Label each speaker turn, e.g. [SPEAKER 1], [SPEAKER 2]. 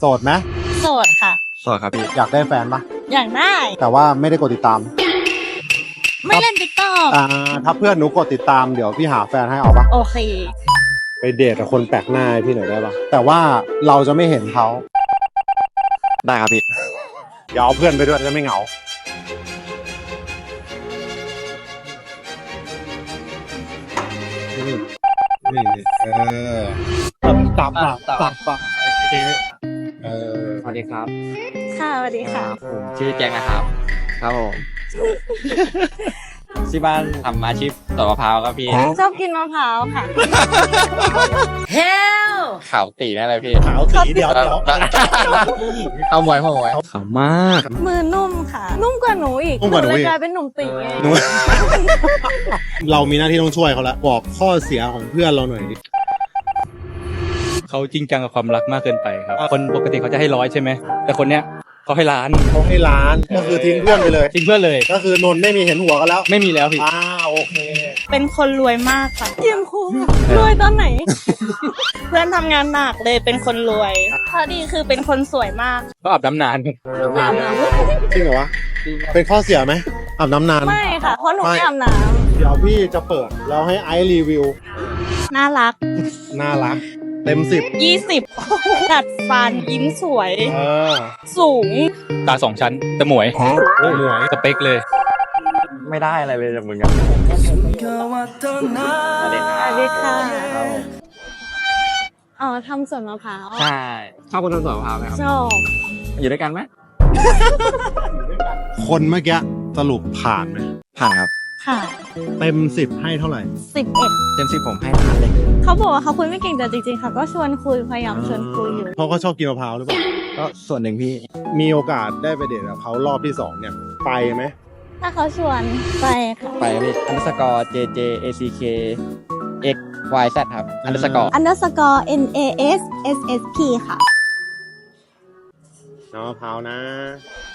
[SPEAKER 1] โสดไหม
[SPEAKER 2] โสดค่ะ
[SPEAKER 3] โสดครับพี่
[SPEAKER 1] อยากได้แฟนปะ
[SPEAKER 2] อยากได้
[SPEAKER 1] แต่ว่าไม่ได้กดติดตาม
[SPEAKER 2] ไม่เล่นติ๊กต็อก
[SPEAKER 1] ถ้าเพื่อนหนูกดติดตามเดี๋ยวพี่หาแฟนให้เอาปะ
[SPEAKER 2] โอเค
[SPEAKER 1] ไปเดทกับคนแปลกหน้าให้พี่หน่อยได้ปะแต่ว่าเราจะไม่เห็นเขา
[SPEAKER 3] ได้ครับพี่
[SPEAKER 1] เดี๋ยวเอาเพื่อนไปด้วยจะไม่เหงานี่ตับ
[SPEAKER 3] สวัสดีครับ
[SPEAKER 2] ค่ะสวัสดีค่ะ
[SPEAKER 3] ผมชื่อแจ็คนะครับ ครับผมที่บ้านทำอาชีพตอกมะพร้าวครับพี่
[SPEAKER 2] ชอบกินมะพร้าวค่ะเฮล
[SPEAKER 3] ขาวตีแน่เลยพี่
[SPEAKER 1] ขาวสีเดียว
[SPEAKER 3] เอามวยขาวมาก
[SPEAKER 2] มือนุ่มค่ะ นุ่มกว่าหนูอีกหนูเลยกลายเป็นหนุ่มตีไง
[SPEAKER 1] เรามีหน้าที่ต้องช่วยเขาแล้วบอกข้อเสียของเพื่อนเราหน่อยดิ
[SPEAKER 4] เขาจริงจังกับความรักมากเกินไปครับคนปกติเขาจะให้100ใช่ไหมแต่คนเนี้ยเขาให้ล้าน
[SPEAKER 1] ก็คือทิ้งเพื่อนไปเลย
[SPEAKER 4] ทิ้งเพื่อนเลย
[SPEAKER 1] ก็คือนนท์ไม่มีเห็นหัวกันแล้ว
[SPEAKER 4] ไม่มีแล้วพี่
[SPEAKER 1] โอเค
[SPEAKER 2] เป็นคนรวยมากค่ะเยี่ยมครูรวยตอนไหน เพื่อนทำงานหนักเลยเป็นคนรวยข้อดีคือเป็นคนสวยมาก
[SPEAKER 4] ก็อาบน้ำนานครับ
[SPEAKER 1] จริงเหรอวะเป็นข้อเสียไหมอาบน้ำนาน
[SPEAKER 2] ไม่ค่ะเพราะหนูไม่อาบน้
[SPEAKER 1] เดี๋ยวพี่จะเปิดแล้วให้ไอซ์รีวิว
[SPEAKER 2] ำน่ารัก
[SPEAKER 1] เต็ม
[SPEAKER 2] 20ดัดฟันยิ้มสวยสูง
[SPEAKER 4] ตา2ชั้นแต่หมวยสเปคเลย
[SPEAKER 3] ไม่ได้อะไรเลยจากมึงอะ
[SPEAKER 2] สวัสดีค่ะอ๋อทำสวนมะพร้าว
[SPEAKER 3] ใช่ชอบคนทำสวนมะพร้าวไหมครับ
[SPEAKER 2] ชอบ
[SPEAKER 3] อยู่ด้วยกันไหม
[SPEAKER 1] คนเมื่อกี้สรุปผ่านไหม
[SPEAKER 3] ผ่านครับ
[SPEAKER 2] ค่ะ
[SPEAKER 1] เต็ม10ให้เท่าไหร่
[SPEAKER 2] 11
[SPEAKER 3] เต็ม10ผมให้ผ่านเลย
[SPEAKER 2] เขาบอกว่าเขาคุยไม่เก่งแต่จริงๆค่ะก็ชวนคุยพยายามชวนคุยอยู่
[SPEAKER 1] เพราะเขาชอบกินมะพร้าวหรือเปล่า
[SPEAKER 3] ก็ส่วนหนึ่งพี่
[SPEAKER 1] มีโอกาสได้ไปเดทกับเขารอบที่2เนี่ยไปไหม
[SPEAKER 2] ถ้าเขาชวนไปค่ะ
[SPEAKER 3] ไปพี่_JJACK XYZ ครับ
[SPEAKER 2] _NASSSP ค่ะ
[SPEAKER 1] น้องมะพร้าวนะ